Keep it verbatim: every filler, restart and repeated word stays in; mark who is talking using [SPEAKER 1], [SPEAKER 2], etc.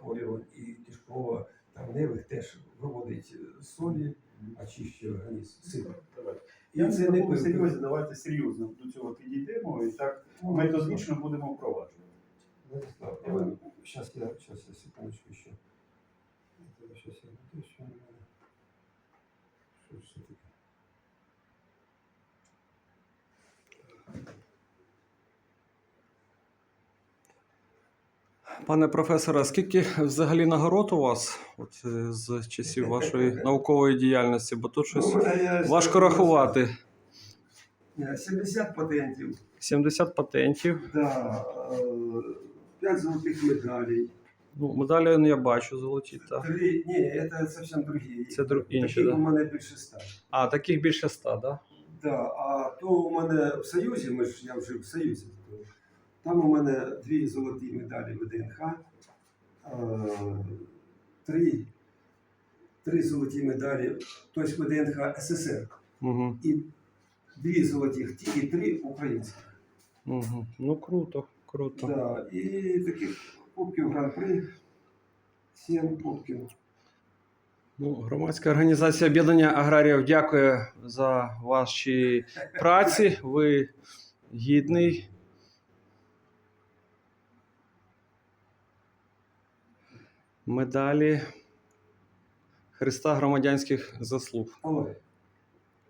[SPEAKER 1] захворювань і кишково-травневих теж виводить солі, очищує організм. Сильно.
[SPEAKER 2] Я
[SPEAKER 1] це
[SPEAKER 2] не
[SPEAKER 1] не
[SPEAKER 2] такому
[SPEAKER 1] пив.
[SPEAKER 2] серйозі, давайте серйозно до цього підійдемо і так методично будемо впроваджувати.
[SPEAKER 1] Владислав, Іван, сейчас я, сейчас я секундочку еще. Сейчас я буду еще. Что ж таке?
[SPEAKER 3] Пане професоре, скільки взагалі нагород у вас от, е, з часів вашої наукової діяльності? Бо тут щось
[SPEAKER 1] Ну, я-
[SPEAKER 3] важко рахувати.
[SPEAKER 1] сімдесят патентів,
[SPEAKER 3] сімдесят патентів.
[SPEAKER 1] да, п'ять золотих медалей.
[SPEAKER 3] Ну, медалі ну, я бачу золоті. Так.
[SPEAKER 1] Три, ні, це зовсім другі.
[SPEAKER 3] Це дру- інші,
[SPEAKER 1] Таких
[SPEAKER 3] да?
[SPEAKER 1] у мене більше ста.
[SPEAKER 3] А, таких більше ста, да?
[SPEAKER 1] Да, а то у мене в Союзі, ми ж я вже в Союзі, то там у мене дві золоті медалі В Д Н Х, е, три, три золоті медалі, тобто В Д Н Х С С С Р,
[SPEAKER 3] Угу.
[SPEAKER 1] і дві золотих ті, і три українських.
[SPEAKER 3] Угу. Ну, круто, круто.
[SPEAKER 1] Да, і таких кубків Гран-при, сім кубків.
[SPEAKER 3] Ну, громадська організація Об'єднання аграріїв дякує за ваші праці. Ви гідний. Медалі Христа громадянських заслуг.
[SPEAKER 1] Але